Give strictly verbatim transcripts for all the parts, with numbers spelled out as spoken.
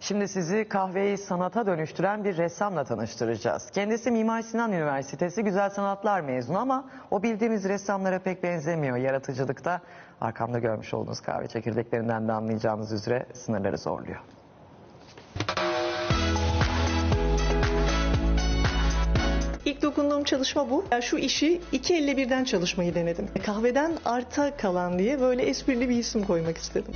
Şimdi sizi kahveyi sanata dönüştüren bir ressamla tanıştıracağız. Kendisi Mimar Sinan Üniversitesi Güzel Sanatlar mezunu ama o bildiğimiz ressamlara pek benzemiyor. Yaratıcılıkta arkamda görmüş olduğunuz kahve çekirdeklerinden de anlayacağınız üzere sınırları zorluyor. İlk dokunduğum çalışma bu. Yani şu işi iki elle birden çalışmayı denedim. Kahveden arta kalan diye böyle esprili bir isim koymak istedim.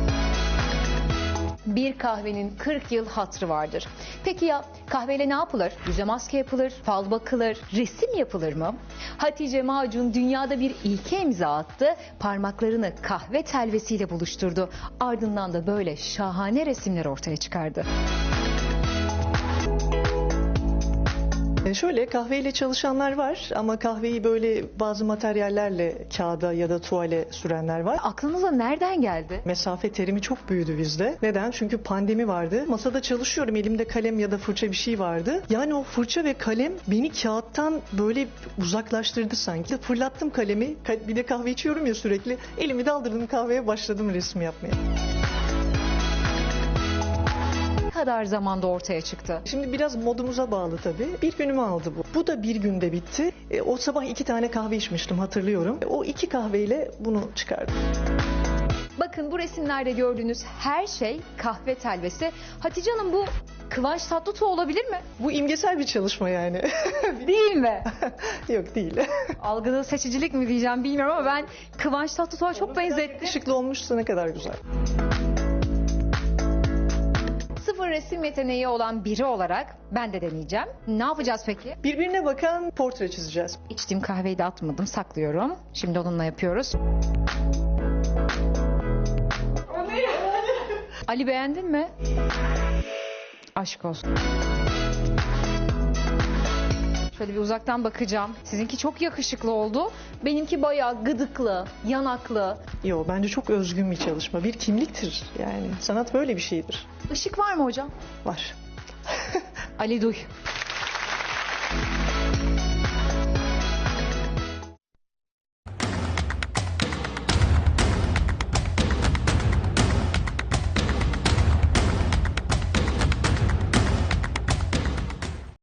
Bir kahvenin kırk yıl hatırı vardır. Peki ya kahveyle ne yapılır? Yüze maske yapılır, fal bakılır, resim yapılır mı? Hatice Macun dünyada bir ilke imza attı. Parmaklarını kahve telvesiyle buluşturdu. Ardından da böyle şahane resimler ortaya çıkardı. Şöyle kahveyle çalışanlar var ama kahveyi böyle bazı materyallerle kağıda ya da tuvale sürenler var. Aklınıza nereden geldi? Mesafe terimi çok büyüdü bizde. Neden? Çünkü pandemi vardı. Masada çalışıyorum. Elimde kalem ya da fırça bir şey vardı. Yani o fırça ve kalem beni kağıttan böyle uzaklaştırdı sanki. Fırlattım kalemi. Bir de kahve içiyorum ya sürekli. Elimi daldırdım kahveye, başladım resim yapmaya. Ne kadar zamanda ortaya çıktı? Şimdi biraz modumuza bağlı tabii. Bir günümü aldı bu. Bu da bir günde bitti. E, o sabah iki tane kahve içmiştim, hatırlıyorum. E, o iki kahveyle bunu çıkardım. Bakın bu resimlerde gördüğünüz her şey kahve telvesi. Hatice Hanım, bu Kıvanç Tatlıtuğ olabilir mi? Bu imgesel bir çalışma yani. Değil mi? Yok, değil. Algıda seçicilik mi diyeceğim bilmiyorum ama ben Kıvanç Tatlıtuğ'a çok benzettim. Işıklı olmuşsa ne kadar güzel. Sıfır resim yeteneği olan biri olarak ben de deneyeceğim. Ne yapacağız peki? Birbirine bakan portre çizeceğiz. İçtiğim kahveyi de atmadım, saklıyorum. Şimdi onunla yapıyoruz. Ali, beğendin mi? Aşk olsun. Şöyle bir uzaktan bakacağım. Sizinki çok yakışıklı oldu. Benimki bayağı gıdıklı, yanaklı. Yo, bence çok özgün bir çalışma. Bir kimliktir yani. Sanat böyle bir şeydir. Işık var mı hocam? Var. Ali duy.